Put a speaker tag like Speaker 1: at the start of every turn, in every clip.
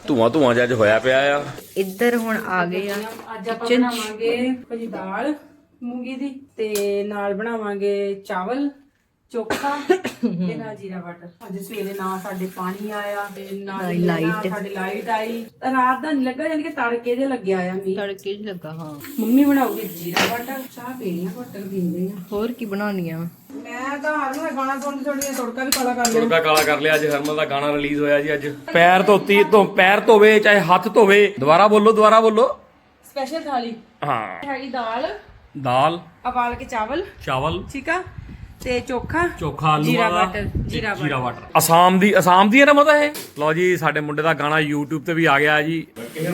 Speaker 1: ਧੂਆਂ ਧੂਆਂ ਜਿਹਾ ਹੋਇਆ ਪਿਆ ਆ।
Speaker 2: ਇੱਧਰ ਹੁਣ ਆ ਗਏ ਆ
Speaker 3: ਅੱਜ ਆਪਾਂ ਬਣਾਵਾਂਗੇ ਭਾਜੀ ਦਾਲ ਮੂੰਗੀ ਦੀ ਤੇ ਨਾਲ ਬਣਾਵਾਂਗੇ ਚਾਵਲ ਚੋਖਾ ਤੇ ਨਾਲ ਜੀਰਾ ਵਾਟਰ। ਅੱਜ ਸਵੇਰੇ ਨਾ ਸਾਡੇ ਪਾਣੀ ਆਇਆ ਤੇ ਨਾ ਸਾਡੇ ਲਾਈਟ ਆਈ। ਰਾਤ ਦਾ ਨਹੀਂ ਲੱਗਾ, ਯਾਨੀ ਕਿ ਤੜਕੇ ਦੇ ਲੱਗਿਆ ਆ ਮੀਂਹ।
Speaker 2: ਤੜਕੇ ਹੀ ਲੱਗਾ। ਹਾਂ
Speaker 3: ਮੰਮੀ ਬਣਾਉਗੀ ਜੀਰਾ ਵਾਟਰ, ਚਾਹ ਪੀਣੀ ਆ, ਵਾਟਰ ਪੀਂਦੇ ਆ।
Speaker 2: ਹੋਰ ਕੀ ਬਣਾਉਣੀ ਆ?
Speaker 3: ਮੈਂ ਤਾਂ ਹਰ ਨੂੰ ਗਾਣਾ ਸੁਣਦੀ ਥੋੜੀ ਤੜਕਾ ਵੀ ਕਾਲਾ ਕਰ ਲਿਆ।
Speaker 1: ਤੜਕਾ ਕਾਲਾ ਕਰ ਲਿਆ। ਅੱਜ ਹਰਮਨ ਦਾ ਗਾਣਾ ਰਿਲੀਜ਼ ਹੋਇਆ ਜੀ। ਅੱਜ ਪੈਰ ਪੈਰ ਧੋਵੇ ਚਾਹੇ ਹੱਥ ਧੋਵੇ। ਦੁਬਾਰਾ ਬੋਲੋ।
Speaker 3: ਸਪੈਸ਼ਲ ਥਾਲੀ
Speaker 1: ਹਾਂ
Speaker 3: ਹੈਗੀ ਦਾਲ ਉਬਾਲ ਕੇ ਚਾਵਲ ਠੀਕ ਆ ਤੇ ਚੋਖਾ
Speaker 1: ਆਲੂ
Speaker 3: ਜੀਰਾ
Speaker 1: ਵਾਲਾ
Speaker 3: ਵਾਟਰ।
Speaker 1: ਅਸਾਮ ਦੀ ਹੈ ਨਾ ਮਤਾ ਇਹ। ਲਓ ਜੀ ਸਾਡੇ ਮੁੰਡੇ ਦਾ ਗਾਣਾ YouTube ਤੇ ਵੀ ਆ ਗਿਆ ਜੀ।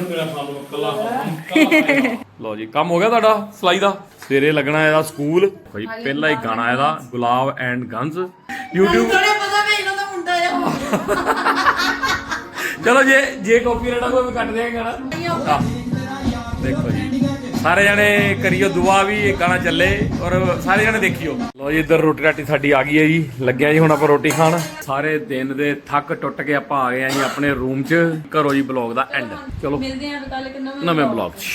Speaker 1: ਲਓ ਜੀ ਕੰਮ ਹੋ ਗਿਆ ਤੁਹਾਡਾ ਸਲਾਈ ਦਾ। ਸਵੇਰੇ ਲੱਗਣਾ ਇਹਦਾ ਸਕੂਲ ਭਾਈ। ਪਹਿਲਾ ਹੀ ਗਾਣਾ ਇਹਦਾ ਗੁਲਾਬ ਐਂਡ ਗੰਜ਼ YouTube। ਚਲੋ ਜੇ ਕਾਪੀਰਾਈਟ ਆ ਕੋਈ ਕੱਟ ਦੇਗਾ ਗਾਣਾ। ਦੇਖੋ ਜੀ ਸਾਰੇ ਜਣੇ ਕਰਿਓ ਦੁਆ ਵੀ ਇਹ ਗਾਣਾ ਚੱਲੇ ਔਰ ਸਾਰੇ ਜਣੇ ਦੇਖਿਓ। ਲੋ ਜੀ ਇੱਧਰ ਰੋਟੀ ਰਾਟੀ ਸਾਡੀ ਆ ਗਈ ਹੈ ਜੀ। ਲੱਗਿਆ ਜੀ ਹੁਣ ਆਪਾਂ ਰੋਟੀ ਖਾਣ। ਸਾਰੇ ਦਿਨ ਦੇ ਥੱਕ ਟੁੱਟ ਕੇ ਆਪਾਂ ਆ ਗਏ ਆ ਜੀ ਆਪਣੇ ਰੂਮ 'ਚ। ਕਰੋ ਜੀ ਬਲੌਗ ਦਾ ਐਂਡ। ਚਲੋ
Speaker 3: ਮਿਲਦੇ ਆਂ ਕੱਲ ਇੱਕ
Speaker 1: ਨਵੇਂ ਬਲੌਗ 'ਚ।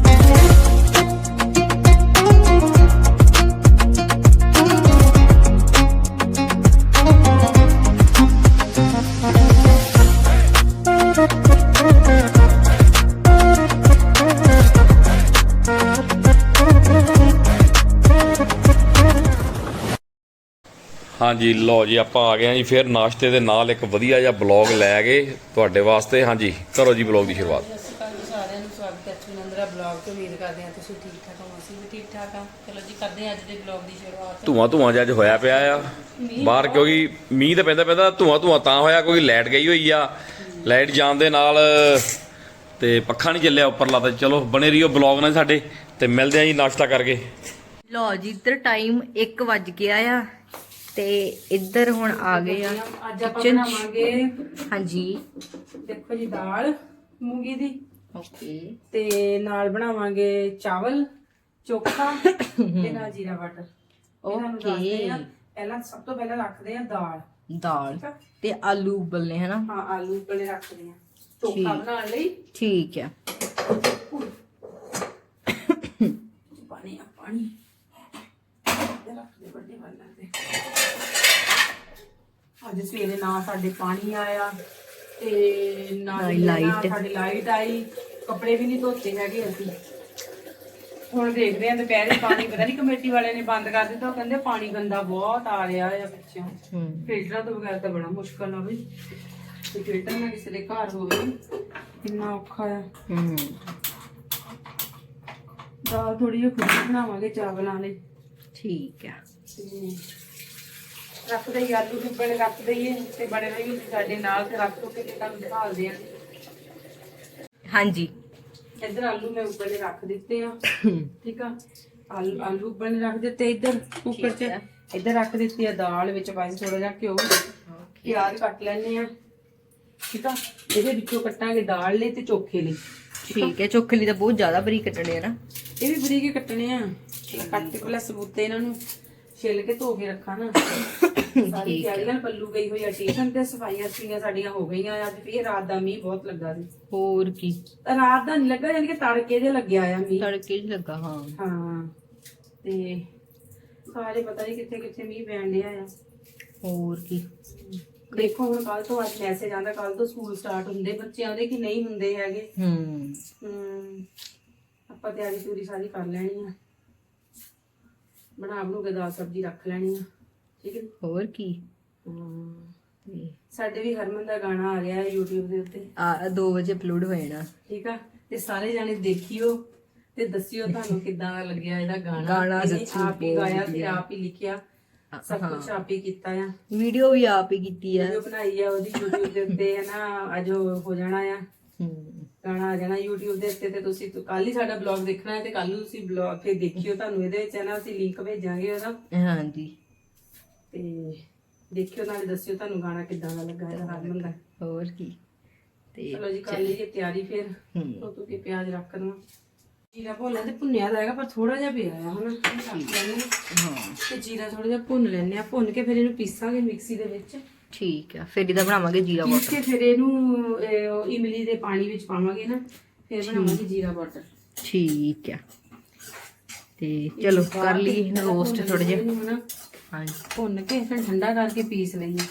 Speaker 1: ਹਾਂਜੀ ਲਓ ਜੀ ਆਪਾਂ ਆ ਗਏ ਹਾਂ ਜੀ ਫਿਰ ਨਾਸ਼ਤੇ ਦੇ ਨਾਲ ਇੱਕ ਵਧੀਆ ਜਿਹਾ ਬਲੌਗ ਲੈ ਕੇ ਤੁਹਾਡੇ ਵਾਸਤੇ। ਹਾਂਜੀ ਕਰੋ ਜੀ ਬਲੌਗ ਦੀ ਸ਼ੁਰੂਆਤ।
Speaker 3: ਸਤਿ ਸ਼੍ਰੀ ਅਕਾਲ ਜੀ ਸਾਰਿਆਂ ਨੂੰ, ਸਵਾਗਤ ਹੈ ਚੁਨੰਦਰਾ ਬਲੌਗ ਤੋਂ। ਉਮੀਦ ਕਰਦੇ ਹਾਂ ਤੁਸੀਂ ਠੀਕ ਠਾਕ ਹੋ, ਅਸੀਂ ਵੀ ਠੀਕ ਠਾਕ ਹਾਂ। ਚਲੋ ਜੀ ਕਰਦੇ ਹਾਂ ਅੱਜ ਦੇ ਬਲੌਗ ਦੀ ਸ਼ੁਰੂਆਤ।
Speaker 1: ਧੂਆਂ ਜਿਹਾ ਹੋਇਆ ਪਿਆ ਆ ਬਾਹਰ, ਕਿਉਂਕਿ ਮੀਂਹ ਤਾਂ ਪੈਂਦਾ ਧੂਆਂ ਤਾਂ ਹੋਇਆ ਕੋਈ ਲਾਈਟ ਗਈ ਹੋਈ ਆ। ਲਾਈਟ ਜਾਣ ਦੇ ਨਾਲ ਤੇ ਪੱਖਾ ਨਹੀਂ ਚੱਲਿਆ ਉੱਪਰਲਾ। ਤਾਂ ਚਲੋ ਬਣੇ ਰਹੀਓ ਬਲੌਗ ਨਾਲ ਸਾਡੇ ਤੇ ਮਿਲਦੇ ਆ ਜੀ ਨਾਸ਼ਤਾ ਕਰਕੇ।
Speaker 2: ਲਓ ਜੀ ਇੱਧਰ ਟਾਈਮ 1 ਵੱਜ ਗਿਆ ਆ ਤੇ ਇੱਧਰ ਹੁਣ ਆ ਗਏ ਆ
Speaker 3: ਅੱਜ ਆਪਾਂ ਬਣਾਵਾਂਗੇ
Speaker 2: ਹਾਂਜੀ
Speaker 3: ਦੇਖੋ ਜੀ ਦਾਲ ਮੂੰਗੀ ਦੀ
Speaker 2: ਓਕੇ
Speaker 3: ਤੇ ਨਾਲ ਬਣਾਵਾਂਗੇ ਚਾਵਲ ਚੋਖਾ ਤੇ ਨਾਲ ਜੀਰਾ ਵਾਟਰ।
Speaker 2: ਓਕੇ
Speaker 3: ਪਹਿਲਾਂ ਸਭ ਤੋਂ ਪਹਿਲਾਂ ਰੱਖਦੇ ਆ ਦਾਲ
Speaker 2: ਤੇ ਆਲੂ ਉਬਲਨੇ ਹੈ ਨਾ।
Speaker 3: ਹਾਂ ਆਲੂ ਉਬਲਨੇ ਰੱਖਦੇ ਆ ਚੋਖਾ ਬਣਾਉਣ ਲਈ।
Speaker 2: ਠੀਕ ਆ।
Speaker 3: ਪਾਣੀ ਰੱਖਦੇ ਵੱਡੇ ਵਾਲਾਂ ਤੇ। ਅੱਜ ਸਵੇਰੇ ਨਾ ਸਾਡੇ ਪਾਣੀ ਆਇਆ ਤੇ ਨਾ ਸਾਡੀ ਲਾਈਟ ਆਈ। ਕੱਪੜੇ ਵੀ ਨਹੀਂ ਧੋਤੇ ਹੈਗੇ ਅਸੀਂ। ਹੁਣ ਦੇਖਦੇ ਆਂ ਦੁਪਹਿਰੇ ਪਾਣੀ ਪਤਾ ਨਹੀਂ ਕਮੇਟੀ ਵਾਲਿਆਂ ਨੇ ਬੰਦ ਕਰ ਦਿੱਤਾ। ਉਹ ਕਹਿੰਦੇ ਪਾਣੀ ਗੰਦਾ ਬਹੁਤ ਆ ਰਿਹਾ ਆ ਪਿੱਛੋਂ। ਫਿਲਟਰਾਂ ਤੋਂ ਬਗੈਰ ਤਾਂ ਬੜਾ ਮੁਸ਼ਕਲ ਆ ਬਈ। ਤੇ ਫਿਲਟਰ ਨਾ ਕਿਸੇ ਦੇ ਘਰ ਹੋਵੇ ਕਿੰਨਾ ਔਖਾ ਆ। ਦਾਲ ਥੋੜੀ ਜਿਹੀ ਖੁੱਲੀ ਬਣਾਵਾਂਗੇ ਚਾਵਲਾਂ ਲਈ।
Speaker 2: ਠੀਕ ਆ।
Speaker 3: ਰੱਖ ਦਈਏ ਆਲੂ ਉਬਲਣੇ ਰੱਖ ਦਈਏ ਤੇ ਬੜੇ ਰਹੀ ਸਾਡੇ ਨਾਲ ਤੇ ਰੱਖ ਦੋ ਕੇ ਤੁਹਾਨੂੰ ਦਿਖਾਉਂਦੇ ਆ।
Speaker 2: ਹਾਂਜੀ
Speaker 3: ਇੱਧਰ ਆਲੂ ਮੈਂ ਉਬਲਣੇ ਰੱਖ ਦਿੱਤੇ ਆ ਠੀਕ ਆ। ਆਲੂ ਉਬਲਣੇ ਰੱਖ ਦਿੱਤੇ ਇੱਧਰ ਕੁੱਕਰ 'ਚ। ਇੱਧਰ ਰੱਖ ਦਿੱਤੀ ਆ ਦਾਲ ਵਿੱਚ ਪਾਈ ਥੋੜਾ ਜਿਹਾ ਘਿਓ। ਪਿਆਜ਼ ਕੱਟ ਲੈਣੇ ਆ ਠੀਕ ਆ। ਇਹਦੇ ਵਿੱਚੋਂ ਕੱਟਾਂਗੇ ਦਾਲ ਲਈ ਤੇ ਚੋਖੇ ਲਈ।
Speaker 2: ਠੀਕ ਹੈ। ਚੋਖੇ ਲਈ ਤਾਂ ਬਹੁਤ ਜ਼ਿਆਦਾ ਬਰੀਕ ਕੱਟਣੇ ਆ ਨਾ।
Speaker 3: ਇਹ ਵੀ ਬਰੀਕ ਹੀ ਕੱਟਣੇ ਆ। ਕੱਟ ਕੇ ਪਹਿਲਾਂ ਸਬੂਤੇ ਇਹਨਾਂ ਨੂੰ ਛਿੱਲ ਕੇ ਧੋ ਕੇ ਰੱਖਾਂ ਨਾ। ਸਾਰੀ ਤਿਆਰੀ ਨਾਲ ਪੱਲੂ ਗਈ ਹੋਈ ਆ ਟਿਊਸ਼ਨ ਤੇ। ਸਫਾਈਆਂ ਸੁਈਆਂ ਸਾਡੀਆਂ ਹੋ ਗਈਆਂ। ਅੱਜ ਫੇਰ ਰਾਤ ਦਾ ਮੀਂਹ ਬਹੁਤ ਲੱਗਾ ਸੀ।
Speaker 2: ਹੋਰ ਕੀ
Speaker 3: ਰਾਤ ਦਾ ਨਹੀਂ ਲੱਗਾ, ਯਾਨੀ ਕਿ ਤੜਕੇ ਦੇ ਲੱਗਿਆ ਆ ਮੀਂਹ।
Speaker 2: ਤੜਕੇ ਹੀ ਲੱਗਾ।
Speaker 3: ਹਾਂ ਤੇ ਸਾਰੇ ਪਤਾ ਨਹੀਂ ਕਿੱਥੇ ਕਿੱਥੇ ਮੀਂਹ ਪੈਣ ਡਿਆ ਆ।
Speaker 2: ਹੋਰ ਕੀ
Speaker 3: ਦੇਖੋ ਹੁਣ ਕੱਲ ਤੋਂ ਅੱਜ ਮੈਸੇਜ ਆਂਦਾ ਕੱਲ ਤੋਂ ਸਕੂਲ ਸਟਾਰਟ ਹੁੰਦੇ ਬੱਚਿਆਂ ਦੇ ਕਿ ਨਹੀਂ ਹੁੰਦੇ ਹੈਗੇ। ਆਪਾਂ ਤਿਆਰੀ ਪੂਰੀ ਸਾਰੀ ਕਰ ਲੈਣੀ ਆ। ਬਣਾ ਕੇ ਦਾਲ ਸਬਜ਼ੀ ਰੱਖ ਲੈਣੀ ਆ ਠੀਕ ਹੈ।
Speaker 2: ਹੋਰ ਕੀ
Speaker 3: ਸਾਡੇ ਵੀ ਹਰਮਨ ਦਾ ਗਾਣਾ ਆ ਗਿਆ ਹੈ YouTube ਦੇ ਉੱਤੇ।
Speaker 2: 2 ਵਜੇ ਅਪਲੋਡ ਹੋ ਜਾਣਾ ਠੀਕ
Speaker 3: ਆ। ਤੇ ਸਾਰੇ ਜਾਣੇ ਦੇਖਿਓ ਤੇ ਦੱਸਿਓ ਤੁਹਾਨੂੰ ਕਿੱਦਾਂ ਦਾ ਲੱਗਿਆ ਇਹਦਾ ਗਾਣਾ। ਆਪ ਹੀ ਗਾਇਆ ਤੇ ਆਪ ਹੀ ਲਿਖਿਆ, ਸਭ ਕੁਝ ਆਪ ਹੀ ਕੀਤਾ ਆ।
Speaker 2: ਵੀਡੀਓ ਵੀ ਆਪ ਹੀ ਕੀਤੀ ਆ,
Speaker 3: ਵੀਡੀਓ ਬਣਾਈ ਆ ਉਹਦੀ YouTube ਦੇ ਉੱਤੇ ਹੈ ਨਾ। ਅੱਜ ਹੋ ਜਾਣਾ ਆ ਗਾਣਾ ਆ ਜਾਣਾ YouTube ਦੇ ਉੱਤੇ। ਤੇ ਤੁਸੀਂ ਕੱਲ ਹੀ ਸਾਡਾ ਬਲੌਗ ਦੇਖਣਾ ਹੈ ਤੇ ਕੱਲ ਨੂੰ ਤੁਸੀਂ ਬਲੌਗ ਤੇ ਦੇਖਿਓ। ਤੁਹਾਨੂੰ ਇਹਦੇ ਵਿੱਚ ਹੈ ਨਾ ਅਸੀਂ ਲਿੰਕ ਭੇਜਾਂਗੇ ਉਹਦਾ। ਹਾਂਜੀ ਤੇ ਦੇਖਿਓ ਨਾਲੇ ਦੱਸਿਓ ਤੁਹਾਨੂੰ ਗਾਣਾ ਕਿੱਦਾਂ ਦਾ ਲੱਗਾ ਇਹਦਾ ਹਰਮਨ ਦਾ। ਹੋਰ ਕੀ ਤੇ ਚਲੋ ਜੀ ਕਰ ਲਈਏ ਤਿਆਰੀ। ਫਿਰ ਧੋ ਕੇ ਪਿਆਜ਼ ਰੱਖ ਦਵਾਂ। ਜੀਰਾ ਭੁੰਨਣਾ ਤੇ ਭੁੰਨਿਆ ਤਾਂ ਹੈਗਾ ਪਰ ਥੋੜਾ ਜਿਹਾ ਪਿਆ ਆ ਹਨਾ। ਤੇ ਜੀਰਾ ਥੋੜਾ ਜਿਹਾ ਭੁੰਨ ਲੈਣੇ ਆ। ਭੁੰਨ ਕੇ ਫਿਰ ਇਹਨੂੰ ਪੀਸਾਂਗੇ ਮਿਕਸੀ ਦੇ ਵਿੱਚ
Speaker 2: ਠੀਕ ਆ, ਫਿਰ ਇਹਦਾ ਬਣਾਵਾਂਗੇ ਜੀਰਾ
Speaker 3: ਪੀਸ
Speaker 2: ਵਾਟਰ।
Speaker 3: ਕੇ ਫਿਰ ਇਹਨੂੰ ਉਹ ਇਮਲੀ ਦੇ ਪਾਣੀ ਵਿੱਚ ਪਾਵਾਂਗੇ ਨਾ, ਫਿਰ ਬਣਾਵਾਂਗੇ ਜੀਰਾ ਵਾਟਰ।
Speaker 2: ਠੀਕ ਆ, ਤੇ ਚਲੋ ਕਰ ਲਈ ਇਹਨੂੰ ਰੋਸਟ ਥੋੜਾ ਜਿਹਾ।
Speaker 3: ਇਹਨੂੰ ਨਾ
Speaker 2: ਹਾਂਜੀ
Speaker 3: ਭੁੰਨ ਕੇ ਫਿਰ ਠੰਡਾ ਕਰਕੇ ਪੀਸ ਲਈਏ।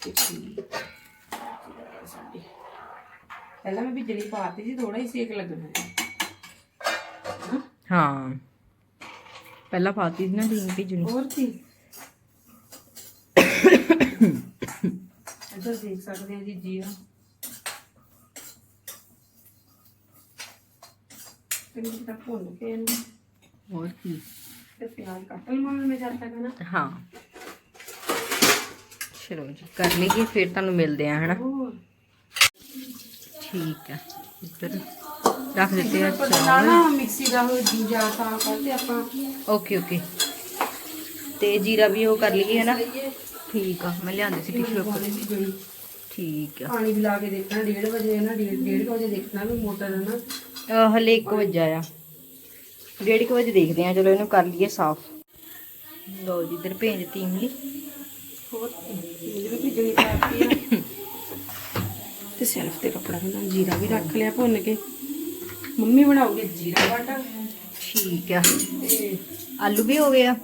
Speaker 3: ਪਹਿਲਾਂ ਮੈਂ ਬਿਜਲੀ ਪਾਤੀ ਸੀ, ਥੋੜਾ ਹੀ ਸੇਕ ਲੱਗਣਾ ਹੈ।
Speaker 2: ਹਾਂ, ਪਹਿਲਾਂ ਪਾਤੀ ਸੀ ਨਾ ਢੀਂਗ ਭਿੱਜਣੀ।
Speaker 3: ਹੋਰ ਕੀ ਇੱਧਰ ਦੇਖ ਸਕਦੇ ਹਾਂ ਜੀ ਜੀਰਾ ਚੰਗੀ ਤਰ੍ਹਾਂ ਭੁੰਨ ਕੇ ਇਹਨੂੰ
Speaker 2: ਹੋਰ ਕੀ।
Speaker 3: ਫਿਰ ਪਿਆਜ਼ ਕੱਟ ਲਵਾਂਗੇ ਮੈਂ ਜਦ ਤੱਕ ਨਾ।
Speaker 2: ਹਾਂ ਚਲੋ ਜੀ ਕਰ ਲਈਏ, ਫਿਰ ਤੁਹਾਨੂੰ ਮਿਲਦੇ ਆ ਹਨਾ।
Speaker 3: ਹੋਰ
Speaker 2: ਠੀਕ ਆ, ਇੱਧਰ ਰੱਖ ਦਿੱਤੇ ਆ
Speaker 3: ਪਤਾ
Speaker 2: ਚਾਵਲ।
Speaker 3: ਨਾ ਮਿਕਸੀ ਦਾ ਉਹ ਜੀਰਾ ਤਾਂ ਕਰਦੇ ਆਪਾਂ
Speaker 2: ਓਕੇ ਓਕੇ, ਤੇ ਜੀਰਾ ਵੀ ਉਹ ਕਰ ਲਈਏ ਹਨਾ। ਠੀਕ ਆ, ਮੈਂ ਲਿਆਂਦੀ ਸੀ ਟਿਸ਼ੂ ਪੇਪਰ। ਠੀਕ ਆ,
Speaker 3: ਪਾਣੀ ਵੀ ਲਾ ਕੇ ਦੇਖਣਾ 1:30 ਵਜੇ ਨਾ, 1:30 ਵਜੇ ਦੇਖਣਾ ਵੀ ਮੋਟਰ ਹੈ ਨਾ।
Speaker 2: ਹਲੇ 1 ਵਜੇ ਆ, 1:30 ਵਜੇ ਦੇਖਦੇ ਆ। ਚਲੋ ਇਹਨੂੰ ਕਰ ਲਈਏ ਸਾਫ਼। ਲਓ ਜੀ ਇੱਧਰ ਭੇਜ ਦਿੱਤੀ ਇਮਲੀ।
Speaker 3: ਹੋਰ ਇਹ ਵੀ ਭਿੱਜਣੀ ਪਾਤੀ ਆ ਤੇ ਸੈਲਫ ਤੇ ਕੱਪੜਾ ਬਣਾ ਜੀਰਾ ਵੀ ਰੱਖ ਲਿਆ ਭੁੰਨ ਕੇ। ਮੰਮੀ ਬਣਾਉਗੇ ਜੀਰਾ ਵਾਟਰ।
Speaker 2: ਠੀਕ ਆ,
Speaker 3: ਤੇ
Speaker 2: ਆਲੂ ਵੀ ਹੋ ਗਿਆ।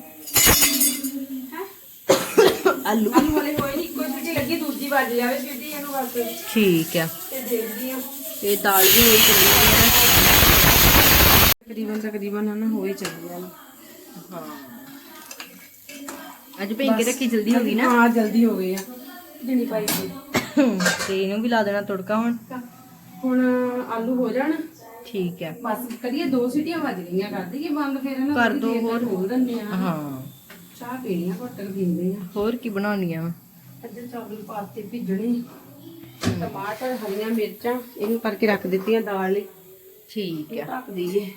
Speaker 2: ਆਲੂ
Speaker 3: ਆਲੂ ਵਾਲੇ ਹੋਏ ਨਹੀਂ, ਇੱਕੋ ਸੀਟੀ ਲੱਗੀ, ਦੂਜੀ ਵੱਜ ਜਾਵੇ ਸੀਟੀ ਇਹਨੂੰ ਬਸ।
Speaker 2: ਠੀਕ ਆ,
Speaker 3: ਤੇ ਦੇਖਦੀ ਆ
Speaker 2: ਤੇ ਦਾਲ ਵੀ ਹੋਈ ਚੱਲੀ ਹੈ।
Speaker 3: ਤਕਰੀਬਨ ਨਾ ਹੋਈ ਚੱਲੀ ਆ।
Speaker 2: ਹਾਂ, ਅੱਜ ਭੇਜ ਕੇ ਰੱਖੀ ਜਲਦੀ ਹੋ ਗਈ ਨਾ।
Speaker 3: ਹਾਂ ਜਲਦੀ ਹੋ ਗਈ ਆ, ਜਣੀ ਪਾਈ ਸੀ।
Speaker 2: ਤੇ ਇਹਨੂੰ ਵੀ ਲਾ ਦੇਣਾ ਤੜਕਾ ਹੁਣ।
Speaker 3: ਹੁਣ ਆਲੂ ਹੋ ਜਾਣ,
Speaker 2: ਠੀਕ ਹੈ,
Speaker 3: ਬਸ ਕਰੀਏ 2 ਸੀਟੀਆਂ ਵੱਜ ਗਈਆਂ, ਕਰ ਦਈਏ ਬੰਦ ਫਿਰ ਨਾ।
Speaker 2: ਕਰ ਦੋ ਹੋਰ।
Speaker 3: ਖੋਲ ਦਿੰਦੇ ਆ।
Speaker 2: ਹਾਂ
Speaker 3: ਚਾਹ ਪੀਣੀ ਆ, ਘੁੱਟ ਕੇ ਪੀਂਦੇ ਆ।
Speaker 2: ਹੋਰ ਕੀ ਬਣਾਉਣੀਆਂ ਵਾ।
Speaker 3: ਅੱਧੇ ਚਾਵਲ ਪਾਤੇ ਭਿੱਜਣੇ, ਟਮਾਟਰ, ਹਰੀਆਂ ਮਿਰਚਾਂ ਇਹਨੂੰ ਕਰਕੇ ਰੱਖ ਦਿੱਤੀਆਂ ਦਾਲ ਲਈ।
Speaker 2: ਠੀਕ
Speaker 3: ਇਹ
Speaker 2: ਆ,
Speaker 3: ਢੱਕ ਦਈਏ।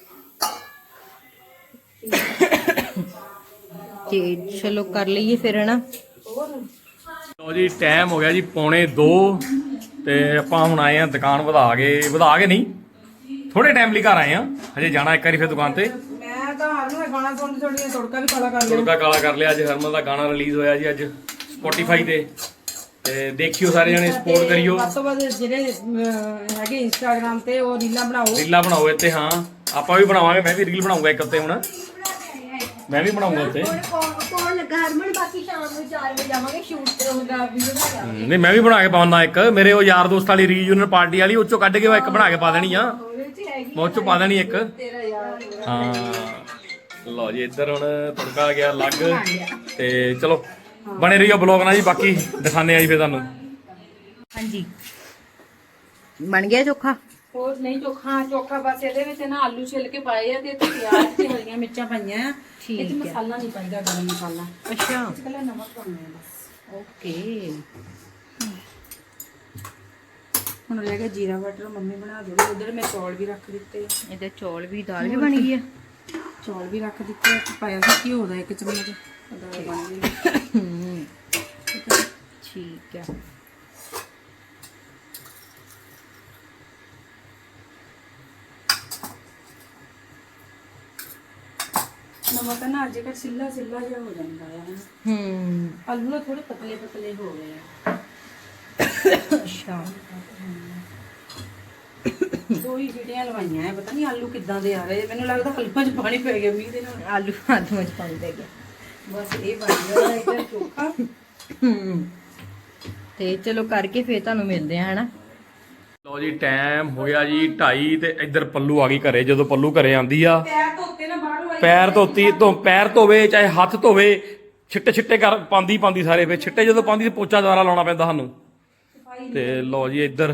Speaker 2: ਤੇ ਚਲੋ ਕਰ ਲਈਏ ਫਿਰ ਹਨਾ।
Speaker 3: ਹੋਰ
Speaker 1: ਲੋ ਜੀ ਟਾਈਮ ਹੋ ਗਿਆ ਜੀ 1:45 ਤੇ ਆਪਾਂ ਹੁਣ ਆਏ ਆ ਦੁਕਾਨ ਵਧਾ ਕੇ ਨਹੀਂ, ਥੋੜੇ ਟਾਈਮ ਲਈ ਘਰ ਆਏ ਆ। ਹਜੇ ਜਾਣਾ ਇੱਕ ਵਾਰੀ ਫਿਰ ਦੁਕਾਨ ਤੇ।
Speaker 3: ਮੈਂ ਤਾਂ ਹਰ ਨੂੰ ਗਾਣਾ ਸੁਣ ਥੋੜੀ ਤੜਕਾ ਵੀ ਕਾਲਾ ਕਰ ਲਿਆ।
Speaker 1: ਤੜਕਾ ਕਾਲਾ ਕਰ ਲਿਆ। ਅੱਜ ਹਰਮਨ ਦਾ ਗਾਣਾ ਰਿਲੀਜ਼ ਹੋਇਆ ਜੀ ਅੱਜ Spotify ਤੇ ਦੇਖਿਓ ਸਾਰੇ ਜਣੇ, ਸਪੋਰਟ ਕਰਿਓ।
Speaker 3: ਵੱਧ ਤੋਂ ਵੱਧ ਜਿਹੜੇ ਹੈਗੇ ਇੰਸਟਾਗ੍ਰਾਮ ਤੇ ਉਹ ਰੀਲਾਂ
Speaker 1: ਬਣਾਓ ਇੱਥੇ। ਹਾਂ ਆਪਾਂ ਵੀ ਬਣਾਵਾਂਗੇ, ਮੈਂ ਵੀ ਰੀਲ ਬਣਾਉਂਗਾ ਇੱਕ ਉੱਤੇ। ਹੁਣ ਮੈਂ ਵੀ ਬਣਾਉਂਗਾ ਉੱਤੇ।
Speaker 2: ਕੌਣ ਲੱਗਾ ਹਰਮਨ? ਬਾਕੀ ਸ਼ਾਮ ਨੂੰ 4 ਵਜੇ ਜਾਵਾਂਗੇ, ਸ਼ੂਟ ਤੇ ਹੋਊਗਾ, ਵੀਡੀਓ ਬਣਾ ਲਾਂਗੇ।
Speaker 1: ਨਹੀਂ ਮੈਂ ਵੀ ਬਣਾ ਕੇ ਪਾਉਣਾ ਇੱਕ। ਮੇਰੇ ਉਹ ਯਾਰ ਦੋਸਤ ਵਾਲੀ ਰੀਯੂਨੀਅਨ ਪਾਰਟੀ ਵਾਲੀ, ਉਹ ਚੋਂ ਕੱਢ ਕੇ ਇੱਕ ਬਣਾ ਕੇ ਪਾ ਦੇਣੀ ਆ। ਮੈਂ ਉਹ ਚੋਂ ਪਾ ਦੇਣੀ ਇੱਕ। ਹਾਂ ਲਓ ਜੀ ਇੱਧਰ ਹੁਣ ਤੜਕਾ ਆ ਗਿਆ ਲੱਗ। ਤੇ ਚਲੋ ਬਣੇ ਰਹੀਓ ਬਲੌਗ ਨਾਲ ਜੀ, ਬਾਕੀ ਦਿਖਾਣੇ ਆ ਜੀ ਫਿਰ ਤੁਹਾਨੂੰ।
Speaker 2: ਹਾਂਜੀ ਬਣ ਗਿਆ ਚੋਖਾ।
Speaker 3: ਹੋਰ ਨਹੀਂ ਚੋਖਾ ਬਸ ਇਹਦੇ ਵਿੱਚ ਨਾ ਆਲੂ ਛਿੱਲ ਕੇ ਪਾਏ ਆ ਤੇ ਪਿਆਜ਼ ਤੇ ਹਰੀਆਂ ਮਿਰਚਾਂ ਪਾਈਆਂ ਆ। ਇਹ ਚ ਮਸਾਲਾ ਨਹੀਂ ਪਾਈਦਾ, ਗਰਮ ਮਸਾਲਾ।
Speaker 2: ਅੱਛਾ
Speaker 3: ਇਕੱਲਾ ਨਮਕ ਪਾਉਣਾ ਹੈ ਬਸ।
Speaker 2: ਓਕੇ।
Speaker 3: ਹੁਣ ਰਹਿ ਗਿਆ ਜੀਰਾ ਵਾਟਰ, ਮੰਮੀ ਬਣਾ ਦੇਗੀ। ਉਧਰ ਮੈਂ ਚੌਲ ਵੀ ਰੱਖ ਦਿੱਤੇ।
Speaker 2: ਇਹਦੇ ਚੌਲ ਵੀ, ਦਾਲ ਵੀ ਬਣ ਗਈ ਆ।
Speaker 3: ਚੌਲ ਵੀ ਰੱਖ ਦਿੱਤੇ। ਪਾਇਆ ਸੀ ਘਿਓ ਦਾ 1 ਚਮਚ, ਦਾਲ ਬਣ ਗਈ।
Speaker 2: ਠੀਕ ਆ।
Speaker 3: ਨਮਕ ਨਾ ਅੱਜ ਕੱਲ੍ਹ ਸਿੱਲਾ ਜਿਹਾ ਹੋ ਜਾਂਦਾ ਹੈ। ਆਲੂ ਨਾ ਥੋੜੇ ਪਤਲੇ ਪਤਲੇ ਹੋ ਗਏ ਆ।
Speaker 2: ਅੱਛਾ
Speaker 3: 2 ਹੀ ਸੀਟੀਆਂ ਲਵਾਈਆਂ ਆ। ਪਤਾ ਨਹੀਂ ਆਲੂ ਕਿੱਦਾਂ ਦੇ ਆ ਰਹੇ। ਮੈਨੂੰ ਲੱਗਦਾ ਆਲੂਆਂ 'ਚ ਪਾਣੀ ਪੈ ਗਿਆ ਮੀਂਹ ਦੇ ਨਾਲ।
Speaker 2: ਆਲੂ ਵਿੱਚ ਪਾਣੀ ਪੈ ਗਿਆ।
Speaker 3: ਬਸ ਇਹ ਬਣ ਗਿਆ ਇੱਕ ਚੋਖਾ।
Speaker 2: ਤੇ ਚਲੋ ਕਰਕੇ ਫੇਰ ਤੁਹਾਨੂੰ ਮਿਲਦੇ ਆ ਹਨਾ।
Speaker 1: ਲਓ ਜੀ ਟਾਈਮ ਹੋ ਗਿਆ ਜੀ 2:30 ਤੇ ਇੱਧਰ ਪੱਲੂ ਆ ਗਈ ਘਰੇ। ਜਦੋਂ ਪੱਲੂ ਘਰੇ ਆਂਦੀ ਆ,
Speaker 3: ਪੈਰ ਧੋਤੇ ਨਾ ਬਾਹਰੋਂ
Speaker 1: ਪੈਰ ਧੋਵੇ ਚਾਹੇ ਹੱਥ ਧੋਵੇ, ਛਿੱਟੇ ਕਰ ਪਾਉਂਦੀ ਸਾਰੇ। ਫੇਰ ਛਿੱਟੇ ਜਦੋਂ ਪਾਉਂਦੀ ਤੇ ਪੋਚਾ ਦੁਬਾਰਾ ਲਾਉਣਾ ਪੈਂਦਾ ਸਾਨੂੰ। ਤੇ ਲਓ ਜੀ ਇੱਧਰ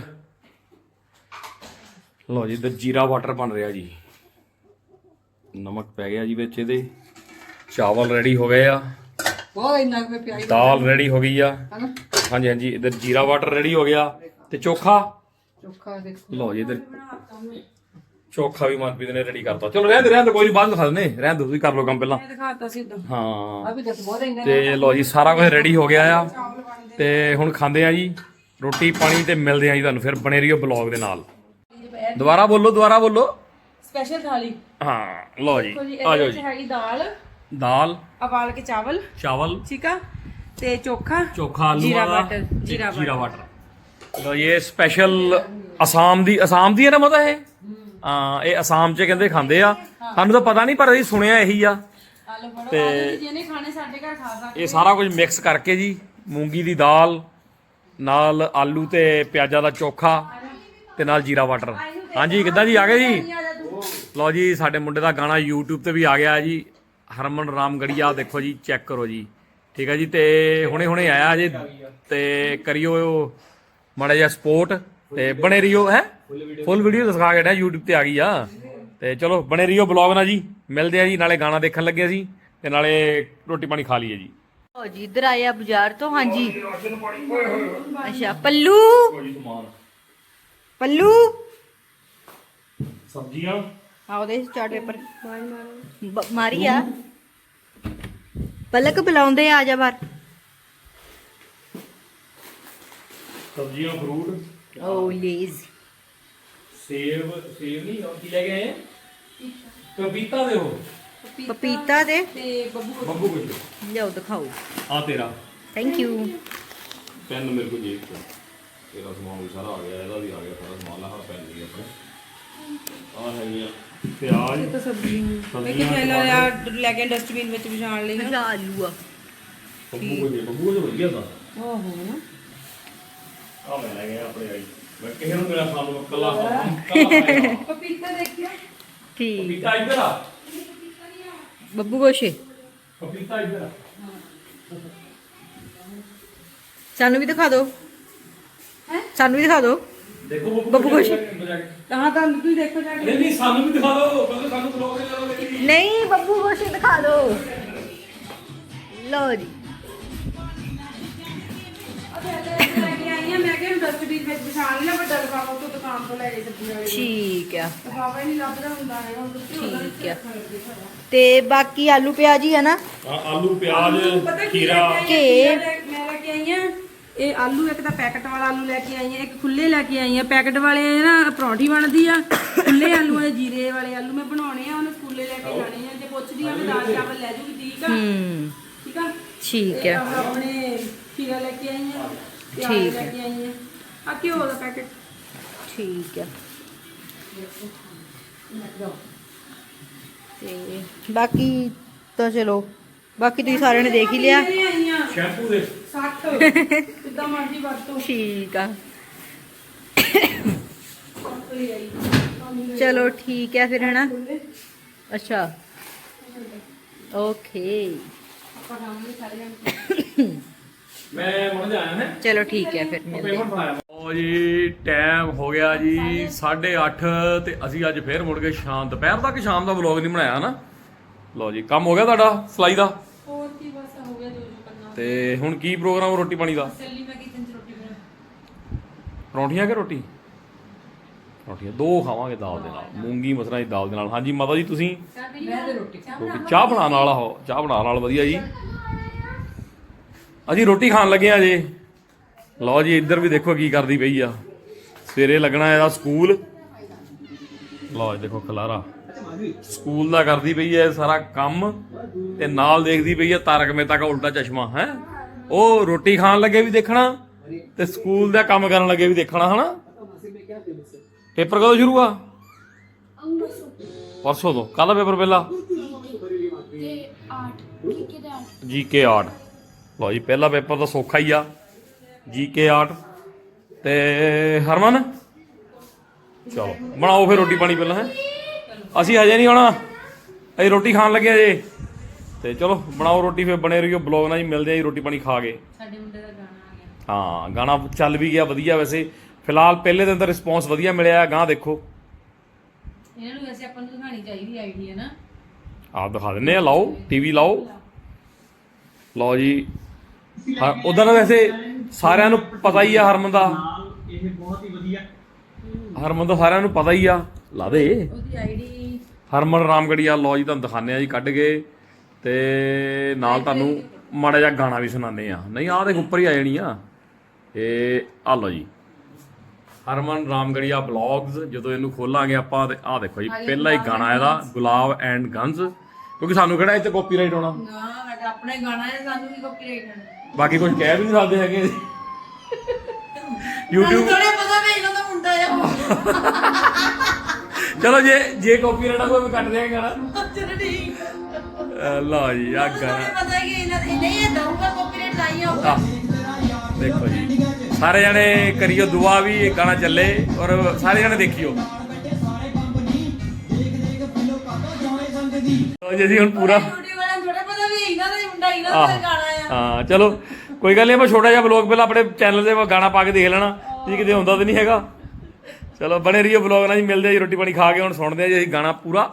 Speaker 1: ਜੀਰਾ ਵਾਟਰ ਬਣ ਰਿਹਾ ਜੀ। ਨਮਕ ਪੈ ਗਿਆ ਜੀ ਵਿੱਚ ਇਹਦੇ। ਚਾਵਲ ਰੈਡੀ ਹੋ ਗਏ ਆ,
Speaker 3: ਬਹੁਤ ਇੰਨਾ ਕੁ ਪਿਆਜ਼
Speaker 1: ਦਾਲ ਰੈਡੀ ਹੋ ਗਈ ਆ। ਹਾਂਜੀ ਇੱਧਰ ਜੀਰਾ ਵਾਟਰ ਰੈਡੀ ਹੋ ਗਿਆ ਤੇ ਚੋਖਾ
Speaker 3: ਦੇਖੋ।
Speaker 1: ਲਓ ਜੀ ਇੱਧਰ ਚੋਖਾ ਵੀ ਮਨਪ੍ਰੀਤ ਨੇ ਰੈਡੀ ਕਰਤਾ। ਚਲੋ ਰਹਿਣ ਦੇ ਕੋਈ ਨਹੀਂ, ਬਾਅਦ ਦਿਖਾ ਦਿੰਦੇ। ਰਹਿਣ ਦਿਓ, ਤੁਸੀਂ ਕਰ ਲਓ ਕੰਮ ਪਹਿਲਾਂ।
Speaker 3: ਮੈਂ ਦਿਖਾਤਾ ਸੀ ਉਦੋਂ।
Speaker 1: ਹਾਂ
Speaker 3: ਵੀ ਦੇਖ ਬਹੁਤ ਇੰਨਾ।
Speaker 1: ਤੇ ਲਓ ਜੀ ਸਾਰਾ ਕੁਝ ਰੈਡੀ ਹੋ ਗਿਆ ਆ ਤੇ ਹੁਣ ਖਾਂਦੇ ਆ ਜੀ ਰੋਟੀ ਪਾਣੀ ਤੇ ਮਿਲਦੇ ਆ ਜੀ ਤੁਹਾਨੂੰ। ਫਿਰ ਬਣੇ ਰਹੀਓ ਬਲੌਗ ਦੇ ਨਾਲ। ਦੁਬਾਰਾ ਬੋਲੋ।
Speaker 3: ਸਪੈਸ਼ਲ ਥਾਲੀ।
Speaker 1: ਹਾਂ ਲਓ ਜੀ
Speaker 3: ਦੇਖੋ ਜੀ,
Speaker 1: ਆ ਜਾਓ
Speaker 3: ਇਹਦੇ ਵਿੱਚ
Speaker 1: ਜੀ।
Speaker 3: ਹੈਗੀ ਦਾਲ
Speaker 1: ਦਾਲ,
Speaker 3: ਉਬਾਲ ਕੇ ਚਾਵਲ,
Speaker 1: ਚਾਵਲ,
Speaker 3: ਠੀਕ ਆ। ਤੇ ਚੋਖਾ
Speaker 1: ਆਲੂ
Speaker 3: ਜੀਰਾ
Speaker 1: ਵਾਲਾ
Speaker 3: ਬਟਰ
Speaker 1: ਜੀਰਾ ਵਾਟਰ। ਲੋ ਇਹ ਸਪੈਸ਼ਲ ਅਸਾਮ ਦੀ ਹੈ ਨਾ ਮਤਾ ਇਹ ਹਾਂ ਇਹ ਅਸਾਮ 'ਚ ਕਹਿੰਦੇ ਖਾਂਦੇ ਆ ਸਾਨੂੰ ਤਾਂ ਪਤਾ ਨਹੀਂ ਪਰ ਅਸੀਂ ਸੁਣਿਆ ਇਹੀ ਆ
Speaker 3: ਆਲੂ ਫੜੋ
Speaker 1: ਤੇ
Speaker 3: ਆਲੂ ਜਿਹਨੇ ਖਾਣੇ ਸਾਡੇ ਘਰ ਖਾ ਸਕਦੇ
Speaker 1: ਇਹ ਸਾਰਾ ਕੁਝ ਮਿਕਸ ਕਰਕੇ ਜੀ ਮੂੰਗੀ ਦੀ ਦਾਲ ਨਾਲ ਆਲੂ ਤੇ ਪਿਆਜ਼ਾਂ ਦਾ ਚੋਖਾ ਤੇ ਨਾਲ ਜੀਰਾ ਵਾਟਰ। ਹਾਂਜੀ ਕਿੱਦਾਂ ਜੀ ਆ ਗਏ ਜੀ? ਲਓ ਜੀ ਸਾਡੇ ਮੁੰਡੇ ਦਾ ਗਾਣਾ YouTube ਤੇ ਵੀ ਆ ਗਿਆ ਜੀ ਹਰਮਨ ਰਾਮਗੜੀਆ ਦੇਖੋ ਜੀ ਚੈੱਕ ਕਰੋ ਜੀ ਠੀਕ ਹੈ ਜੀ। ਤੇ ਹੁਣੇ ਆਇਆ ਜੀ ਤੇ ਕਰਿਓ ਮਾੜਾ ਜਿਹਾ ਸਪੋਰਟ ਤੇ ਬਣੇ ਰਹੀਓ ਹੈ ਫੁੱਲ ਵੀਡੀਓ ਦਿਖਾ ਕੇ YouTube ਤੇ ਆ ਗਈ ਆ ਤੇ ਚਲੋ ਬਣੇ ਰਹੀਓ ਬਲੌਗ ਨਾਲ ਜੀ। ਮਿਲਦੇ ਆ ਜੀ ਨਾਲੇ ਗਾਣਾ ਦੇਖਣ ਲੱਗੇ ਸੀ ਤੇ ਨਾਲੇ ਰੋਟੀ ਪਾਣੀ ਖਾ ਲਈਏ ਜੀ।
Speaker 2: ਓ ਜੀ ਇੱਧਰ ਆਇਆ ਬਾਜ਼ਾਰ ਤੋਂ ਹਾਂਜੀ ਅੱਛਾ ਪੱਲੂ
Speaker 1: ਸਬਜ਼ੀਆਂ
Speaker 2: ਆ ਉਹਦੇ ਚਾਰਟ ਪੇਪਰ ਮਾਰੀ ਆ ਪਲਕ ਬੁਲਾਉਂਦੇ ਆ ਜਾ ਬਾਹਰ
Speaker 1: ਸਬਜ਼ੀਆਂ ਫਰੂਟ
Speaker 2: ਓ ਲੇਜ਼
Speaker 1: ਸੇਬ ਨਹੀਂ ਉਹ ਕੀ ਲੈ ਕੇ ਆਏ ਪਪੀਤਾ ਦੇ ਉਹ
Speaker 2: ਪਪੀਤਾ ਦੇ
Speaker 3: ਤੇ
Speaker 1: ਬੱਬੂ ਕੁਝ
Speaker 2: ਲਿਆਓ ਦਿਖਾਓ
Speaker 1: ਆ ਤੇਰਾ
Speaker 2: ਥੈਂਕ ਯੂ
Speaker 1: ਪੈਨ ਮੇਰੇ ਕੋਲ ਜੇਬ ਤੋਂ ਤੇਰਾ ਸਮਾਨ ਵੀ ਸਾਰਾ ਆ ਗਿਆ ਇਹਦਾ ਵੀ ਆ ਗਿਆ ਸਾਰਾ ਸਮਾਨ ਲਾ ਪੈਨ ਵੀ ਆਪਣੇ ਆ ਹੈਗੀਆਂ ਪਿਆਜ਼
Speaker 3: ਤਾਂ ਸਬਜ਼ੀ ਮੈਂ ਕਿ ਪਹਿਲਾਂ ਯਾਰ ਲੈ ਕੇ ਡਸਟਬਿਨ ਵਿੱਚ ਵਿਛਾਣ ਲਈ
Speaker 2: ਇਹਦਾ ਆਲੂ ਆ
Speaker 1: ਬੱਬੂ ਕੁਝ ਵਧੀਆ ਦਾ
Speaker 3: ਓਹੋ ਨਾ
Speaker 1: ਆ ਮੈਂ ਲੈ ਗਿਆ ਆਪਣੇ ਆਈ ਮੈਂ ਕਿਸੇ ਨੂੰ ਮੇਰਾ ਸਾਨੂੰ ਕੱਲਾ
Speaker 3: ਪਪੀਤਾ ਦੇਖਿਆ
Speaker 2: ਠੀਕ
Speaker 1: ਪਪੀਤਾ ਇੱਧਰ ਆ
Speaker 2: ਬੱਬੂ ਗੋਸ਼ੇ
Speaker 1: ਪਪੀਤਾ ਇੱਧਰ ਆ
Speaker 2: ਸਾਨੂੰ ਵੀ ਦਿਖਾ ਦਿਓ ਸਾਨੂੰ ਵੀ ਦਿਖਾ ਦਿਓ
Speaker 1: ਦੇਖੋ
Speaker 2: ਬੱਬੂ ਕੁਛ।
Speaker 3: ਤਾਂ ਤੁਸੀਂ ਦੇਖੋ ਜਾ ਕੇ
Speaker 1: ਨਹੀਂ ਸਾਨੂੰ ਵੀ ਦਿਖਾ ਦਿਓ ਕਹਿੰਦੇ ਸਾਨੂੰ ਬਲੌਗ ਦੇ ਲਓ
Speaker 2: ਨਹੀਂ ਬੱਬੂ ਗੋਸ਼ੇ ਦਿਖਾ ਦਿਓ ਲਓ ਜੀ
Speaker 3: ਲੈ ਕੇ ਆਈ ਆ ਮੈਂ ਕਿਹਾ ਡਸਟਬਿਨ ਵਿੱਚ ਵਿਛਾਣ ਲਿਆ ਵੱਡਾ ਲਿਫਾਫਾ ਉਹ ਦੁਕਾਨ ਤੋਂ ਲੈ ਕੇ ਸਬਜ਼ੀ ਵਾਲੇ
Speaker 2: ਠੀਕ ਆ
Speaker 3: ਲਿਫਾਫਾ ਹੀ ਨਹੀਂ ਲੱਭਦਾ ਹੁੰਦਾ ਹੈਗਾ ਹੁਣ ਤੁਸੀਂ
Speaker 2: ਠੀਕ ਆ ਤੇ ਬਾਕੀ ਆਲੂ ਪਿਆਜ਼ ਹੀ ਆ ਨਾ
Speaker 1: ਆਲੂ ਪਿਆਜ਼
Speaker 3: ਪਤਾ ਕੀ
Speaker 1: ਖੀਰਾ
Speaker 3: ਮੈਂ ਲੈ ਕੇ ਆਈ ਆ ਇਹ ਆਲੂ ਇੱਕ ਤਾਂ ਪੈਕਟ ਵਾਲਾ ਆਲੂ ਲੈ ਕੇ ਆਈ ਆ ਇੱਕ ਖੁੱਲੇ ਲੈ ਕੇ ਆਈ ਆ ਪੈਕਟ ਵਾਲੇ ਨਾ ਪਰੌਂਠੀ ਬਣਦੀ ਆ ਖੁੱਲੇ ਆਲੂ ਆ ਜੀਰੇ ਵਾਲੇ ਆਲੂ ਮੈਂ ਬਣਾਉਣੇ ਆ ਉਹਨੂੰ ਸਕੂਲੇ ਲੈ ਕੇ ਜਾਣੇ ਆ ਜੇ ਪੁੱਛਦੀ ਆ ਮੈਂ ਦਾਲ ਚਾਵਲ ਲੈ ਜੂਗੀ ਠੀਕ ਆ ਠੀਕ ਆ
Speaker 2: ਠੀਕ ਆ
Speaker 3: ਆਪਣੇ ਖੀਰਾ ਲੈ ਕੇ ਆਈ ਆ
Speaker 2: ਠੀਕ
Speaker 3: ਪਿਆਜ਼
Speaker 2: ਹੈ।
Speaker 3: ਲੈ ਕੇ ਆਈ ਆ ਘਿਓ ਦਾ ਪੈਕਟ
Speaker 2: ਠੀਕ ਆ ਤੇ ਬਾਕੀ ਤਾਂ ਚਲੋ ਬਾਕੀ ਤੁਸੀਂ ਸਾਰਿਆਂ ਨੇ ਦੇਖ ਹੀ ਲਿਆ
Speaker 1: ਸ਼ੈਂਪੂ ਦੇ
Speaker 3: 60 ਕਿੱਦਾਂ ਮਰਜ਼ੀ ਵਰਤੋ
Speaker 2: ਠੀਕ ਆ ਚਲੋ ਠੀਕ ਹੈ ਫਿਰ ਹਨਾ ਅੱਛਾ ਓਕੇ
Speaker 1: ਮੈਂ ਮੁੜ ਜਾਇਆ ਹੈ
Speaker 2: ਚਲੋ ਠੀਕ ਹੈ ਫਿਰ ਮਿਲਦੇ ਹਾਂ।
Speaker 1: ਪੇਮੈਂਟ ਬਣਾਇਆ ਓ ਜੀ ਟਾਈਮ ਹੋ ਗਿਆ ਜੀ 8:30 ਤੇ ਅਸੀਂ ਅੱਜ ਫੇਰ ਮੁੜ ਕੇ ਸ਼ਾਮ ਦੁਪਹਿਰ ਤੱਕ ਸ਼ਾਮ ਦਾ ਵਲੌਗ ਨਹੀਂ ਬਣਾਇਆ ਨਾ। ਲਓ ਜੀ ਕੰਮ ਹੋ ਗਿਆ ਤੁਹਾਡਾ ਸਲਾਈ ਦਾ
Speaker 3: ਹੋਰ ਕੀ ਬਸ ਹੋ ਗਿਆ ਜੋ ਕਰਨਾ
Speaker 1: ਤੇ ਹੁਣ ਕੀ ਪ੍ਰੋਗਰਾਮ ਰੋਟੀ ਪਾਣੀ ਦਾ?
Speaker 3: ਚੱਲੀ ਮੈਂ ਕਿਚਨ ਚ ਰੋਟੀ ਬਣਾ
Speaker 1: ਪਰੌਂਠੀਆਂ ਕਿ ਰੋਟੀ? ਰੋਟੀਆਂ ਦੋ ਖਾਵਾਂਗੇ ਦਾਲ ਦੇ ਨਾਲ ਮੂੰਗੀ ਮਸਰਾਂ ਦੀ ਦਾਲ ਦੇ ਨਾਲ। ਹਾਂਜੀ ਮਾਤਾ ਜੀ ਤੁਸੀਂ
Speaker 3: ਮੈਂ ਤੇ ਰੋਟੀ
Speaker 1: ਰੋਟੀ ਚਾਹ ਬਣਾਉਣ ਵਾਲਾ ਹੋ ਚਾਹ ਬਣਾਉਣ ਨਾਲ ਵਧੀਆ ਜੀ। ਅਸੀਂ ਰੋਟੀ ਖਾਣ ਲੱਗੇ ਆ ਜੇ। ਲਓ ਜੀ ਇੱਧਰ ਵੀ ਦੇਖੋ ਕੀ ਕਰਦੀ ਪਈ ਆ ਸਵੇਰੇ ਲੱਗਣਾ ਇਹਦਾ ਸਕੂਲ। ਲਓ ਜੀ ਦੇਖੋ ਖਲਾਰਾ ਸਕੂਲ ਦਾ ਕਰਦੀ ਪਈ ਹੈ ਸਾਰਾ ਕੰਮ ਤੇ ਨਾਲ ਦੇਖਦੀ ਪਈ ਹੈ ਤਾਰਕ ਮਹਿਤਾ ਦਾ ਉਲਟਾ ਚਸ਼ਮਾ ਹੈ। ਉਹ ਰੋਟੀ ਖਾਣ ਲੱਗੇ ਵੀ ਦੇਖਣਾ ਤੇ ਸਕੂਲ ਦਾ ਕੰਮ ਕਰਨ ਲੱਗੇ ਵੀ ਦੇਖਣਾ ਹਨਾ। ਪੇਪਰ ਕਦੋਂ ਸ਼ੁਰੂ ਆ? ਪਰਸੋਂ ਤੋਂ। ਕੱਲ ਪੇਪਰ ਪਹਿਲਾ ਜੀਕੇ 8। ਲਓ ਜੀ ਪਹਿਲਾ ਪੇਪਰ ਤਾਂ ਸੌਖਾ ਹੀ ਆ ਜੀਕੇ 8 ਤੇ ਹਰਮਨ ਚਲੋ ਬਣਾਓ ਫਿਰ ਰੋਟੀ ਪਾਣੀ ਪਹਿਲਾਂ ਹੈ। ਅਸੀਂ ਹਜੇ ਨਹੀਂ ਆਉਣਾ ਅਸੀਂ ਰੋਟੀ ਖਾਣ ਲੱਗੇ ਜੇ ਤੇ ਚਲੋ ਬਣਾਓ ਰੋਟੀ ਫਿਰ ਬਣੇ ਰਹੀਓ ਬਲੌਗ ਨਾਲ ਜੀ। ਮਿਲਦੇ ਆ ਜੀ ਰੋਟੀ ਪਾਣੀ ਖਾ ਕੇ।
Speaker 3: ਸਾਡੇ ਮੁੰਡੇ ਦਾ ਗਾਣਾ ਆ ਗਿਆ
Speaker 1: ਹਾਂ ਗਾਣਾ ਚੱਲ ਵੀ ਗਿਆ ਵਧੀਆ ਵੈਸੇ ਫਿਲਹਾਲ ਪਹਿਲੇ ਦਿਨ ਦਾ ਰਿਸਪੌਂਸ ਵਧੀਆ ਮਿਲਿਆ ਗਾਂ ਦੇਖੋ
Speaker 3: ਇਹਨਾਂ ਨੂੰ ਵੈਸੇ ਆਪਾਂ ਨੂੰ ਦਿਖਾਣੀ ਚਾਹੀਦੀ ਆਈਡੀ ਹੈ ਨਾ
Speaker 1: ਆਪ ਦਿਖਾ ਦਿੰਨੇ ਆ। ਲਾਓ ਟੀਵੀ ਲਾਓ। ਲਓ ਜੀ ਹਾਂ ਉਦਾਂ ਤਾਂ ਵੈਸੇ ਸਾਰਿਆਂ ਨੂੰ ਪਤਾ ਹੀ ਆ ਹਰਮਨ ਦਾ
Speaker 4: ਇਹ ਬਹੁਤ ਹੀ ਵਧੀਆ
Speaker 1: ਹਰਮਨ ਦਾ ਸਾਰਿਆਂ ਨੂੰ ਪਤਾ ਹੀ ਆ। ਲਾ ਦੇ
Speaker 3: ਉਹਦੀ ਆਈਡੀ
Speaker 1: ਹਰਮਨ ਰਾਮਗੜੀਆ। ਲਓ ਜੀ ਤੁਹਾਨੂੰ ਦਿਖਾਉਂਦੇ ਆ ਜੀ ਕੱਢ ਕੇ ਤੇ ਨਾਲ ਤੁਹਾਨੂੰ ਮਾੜਾ ਜਿਹਾ ਗਾਣਾ ਵੀ ਸੁਣਾਉਂਦੇ ਆ। ਨਹੀਂ ਆਹ ਦੇਖ ਉੱਪਰ ਹੀ ਆ ਜਾਣੀ ਆ ਇਹ ਆ ਲਓ ਜੀ ਹਰਮਨ ਰਾਮਗੜੀਆ ਬਲੌਗਸ। ਜਦੋਂ ਇਹਨੂੰ ਖੋਲਾਂਗੇ ਆਪਾਂ ਤੇ ਆਹ ਦੇਖੋ ਜੀ ਪਹਿਲਾ ਹੀ ਗਾਣਾ ਇਹਦਾ ਗੁਲਾਬ ਐਂਡ ਗੰਜ਼ ਕਿਉਂਕਿ ਸਾਨੂੰ ਕਿਹੜਾ ਇੱਥੇ ਕਾਪੀਰਾਈਟ ਆਉਣਾ।
Speaker 3: ਨਾ
Speaker 2: ਆਪਣਾ ਹੀ ਗਾਣਾ ਹੈ, ਸਾਨੂੰ ਕੀ ਕਾਪੀਰਾਈਟ
Speaker 1: ਬਾਕੀ ਕੁਝ ਕਹਿ ਵੀ ਨਹੀਂ ਸਕਦੇ ਹੈਗੇ YouTube
Speaker 2: ਥੋੜੇ ਪਤਾ ਵੀ ਇਹਨਾਂ ਦਾ ਮੁੰਡਾ ਆ
Speaker 1: ਚਲੋ ਜੇ ਕਾਪੀਰਾਈਟ ਆ ਕੋਈ ਕੱਟ ਦਿਆਂਗੇ ਗਾਣਾ
Speaker 2: ਚਲੋ ਠੀਕ
Speaker 1: ਲਓ ਜੀ ਆ ਗਾਣਾ
Speaker 2: ਪਤਾ ਕਿ ਇਹਨਾਂ ਨਹੀਂ ਇਹ ਦਊਗਾ ਕਾਪੀਰਾਈਟ ਲਾਈ ਹੋਊਗਾ
Speaker 1: ਦੇਖੋ ਜੀ ਸਾਰੇ ਜਣੇ ਕਰਿਓ ਦੁਆ ਵੀ ਇਹ ਗਾਣਾ ਚੱਲੇ ਔਰ ਸਾਰੇ ਜਣੇ ਦੇਖਿਓ ਲਓ ਜੀ ਅਸੀਂ ਹੁਣ ਪੂਰਾ
Speaker 2: YouTube ਵਾਲਿਆਂ ਨੂੰ ਥੋੜਾ ਪਤਾ ਵੀ ਇਹਨਾਂ ਦਾ ਹੀ ਮੁੰਡਾ ਇਹਨਾਂ ਦਾ ਹੀ ਗਾਣਾ ਆ
Speaker 1: ਹਾਂ ਚਲੋ ਕੋਈ ਗੱਲ ਨਹੀਂ ਆਪਾਂ ਛੋਟਾ ਜਿਹਾ ਵਲੌਗ ਪਹਿਲਾਂ ਆਪਣੇ ਚੈਨਲ ਤੇ ਗਾਣਾ ਪਾ ਕੇ ਦੇਖ ਲੈਣਾ ਜੀ ਕਿਤੇ ਹੁੰਦਾ ਤਾਂ ਨਹੀਂ ਹੈਗਾ ਚਲੋ ਬਣੇ ਰਹੀਓ ਵਲੌਗ ਨਾਲ ਜੀ ਮਿਲਦੇ ਆ ਜੀ ਰੋਟੀ ਪਾਣੀ ਖਾ ਕੇ ਹੁਣ ਸੁਣਦੇ ਆ ਜੀ ਅਸੀਂ ਗਾਣਾ ਪੂਰਾ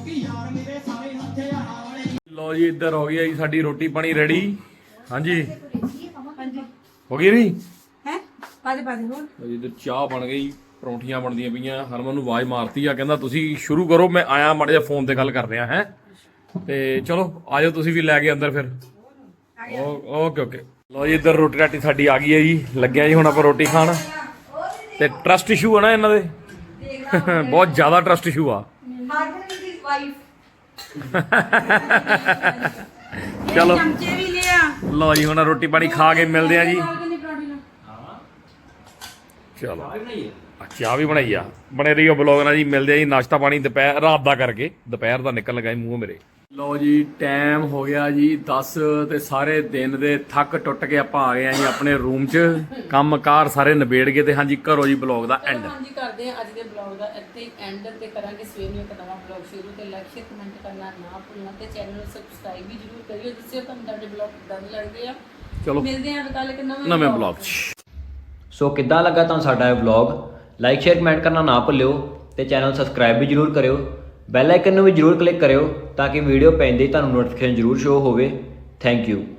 Speaker 1: ਲਓ ਜੀ ਇੱਧਰ ਹੋ ਗਈ ਆ ਜੀ ਸਾਡੀ ਰੋਟੀ ਪਾਣੀ ਰੈਡੀ ਹਾਂਜੀ ਹੋ ਗਈ ਨਹੀਂ
Speaker 3: ਹੈ ਪਾਦੇ ਹੋਰ
Speaker 1: ਲਓ ਜੀ ਇੱਧਰ ਚਾਹ ਬਣ ਗਈ ਪਰੌਂਠੀਆਂ ਬਣਦੀਆਂ ਪਈਆਂ ਹਰਮਨ ਨੂੰ ਆਵਾਜ਼ ਮਾਰਤੀ ਆ ਕਹਿੰਦਾ ਤੁਸੀਂ ਸ਼ੁਰੂ ਕਰੋ ਮੈਂ ਆਇਆ ਮਾੜਾ ਜਿਹਾ ਫੋਨ ਤੇ ਗੱਲ ਕਰ ਰਿਹਾ ਹੈ ਤੇ ਚਲੋ ਆਜੋ ਤੁਸੀਂ ਵੀ ਲੈ ਕੇ ਅੰਦਰ ਫਿਰ ਓਕੇ ਲਓ ਜੀ ਇੱਧਰ ਰੋਟੀ ਰਾਟੀ ਸਾਡੀ ਆ ਗਈ ਹੈ ਜੀ ਲੱਗਿਆ ਜੀ ਹੁਣ ਆਪਾਂ ਰੋਟੀ ਖਾਣ ਤੇ ਟਰਸਟ ਇਸ਼ੂ ਆ ਨਾ ਇਹਨਾਂ ਦੇ ਬਹੁਤ ਜ਼ਿਆਦਾ ਟਰਸਟ ਇਸ਼ੂ ਆ ਚਲੋ
Speaker 3: ਚਮਚੇ ਵੀ ਲਿਆ
Speaker 1: ਲਓ ਜੀ ਹੁਣ ਰੋਟੀ ਪਾਣੀ ਖਾ ਕੇ ਮਿਲਦੇ ਆ ਜੀ ਚਲੋ ਚਾਹ ਵੀ ਬਣਾਈ ਆ ਬਣੇ ਰਹੀਓ ਬਲੌਗ ਨਾਲ ਜੀ ਮਿਲਦੇ ਆ ਜੀ ਨਾਸ਼ਤਾ ਪਾਣੀ ਦੁਪਹਿਰ ਰਾਤ ਦਾ ਕਰਕੇ ਦੁਪਹਿਰ ਦਾ ਨਿਕਲ ਲਗਾ ਮੂੰਹ ਮੇਰੇ ਲਓ ਜੀ ਟਾਈਮ ਹੋ ਗਿਆ ਜੀ 10 ਤੇ ਸਾਰੇ ਦਿਨ ਦੇ ਥੱਕ ਟੁੱਟ ਕੇ ਆਪਾਂ ਆ ਗਏ ਆ ਜੀ ਆਪਣੇ ਰੂਮ 'ਚ ਕੰਮਕਾਰ ਸਾਰੇ ਨਿਬੇੜ ਕੇ ਤੇ ਹਾਂਜੀ ਕਰੋ ਜੀ ਬਲੌਗ ਦਾ ਐਂਡ
Speaker 3: ਹਾਂਜੀ ਕਰਦੇ ਆ ਅੱਜ ਦੇ ਬਲੌਗ ਦਾ ਇੱਥੇ ਐਂਡ ਤੇ ਕਰਾਂਗੇ ਸਵੇਰ ਨੂੰ ਇੱਕ ਨਵਾਂ ਬਲੌਗ ਸ਼ੁਰੂ ਤੇ ਲਾਈਕ ਸ਼ੇਅਰ ਕਮੈਂਟ ਕਰਨਾ ਨਾ ਭੁੱਲਣਾ ਤੇ ਚੈਨਲ ਨੂੰ ਸਬਸਕ੍ਰਾਈਬ ਵੀ ਜ਼ਰੂਰ ਕਰਿਓ ਜਿਸ ਤੁਹਾਨੂੰ ਸਾਡੇ ਬਲੌਗ ਕਿੱਦਾਂ ਦੇ ਲੱਗਦੇ ਆ
Speaker 1: ਚਲੋ
Speaker 3: ਮਿਲਦੇ ਆ ਕੱਲ ਇੱਕ
Speaker 1: ਨਵੇਂ ਬਲੌਗ 'ਚ
Speaker 5: ਸੋ ਕਿੱਦਾਂ ਲੱਗਾ ਤੁਹਾਨੂੰ ਸਾਡਾ ਇਹ ਵਲੌਗ ਲਾਈਕ ਸ਼ੇਅਰ ਕਮੈਂਟ ਕਰਨਾ ਨਾ ਭੁੱਲਿਓ ਤੇ ਚੈਨਲ ਸਬਸਕ੍ਰਾਈਬ ਵੀ ਜਰੂਰ ਕਰਿਓ ਬੈਲ ਆਈਕਨ ਨੂੰ ਵੀ ਜਰੂਰ ਕਲਿੱਕ ਕਰਿਓ ਤਾਂ ਕਿ ਵੀਡੀਓ ਪੈਂਦੇ ਹੀ ਤੁਹਾਨੂੰ ਨੋਟੀਫਿਕੇਸ਼ਨ ਜਰੂਰ ਸ਼ੋ ਹੋਵੇ ਥੈਂਕ ਯੂ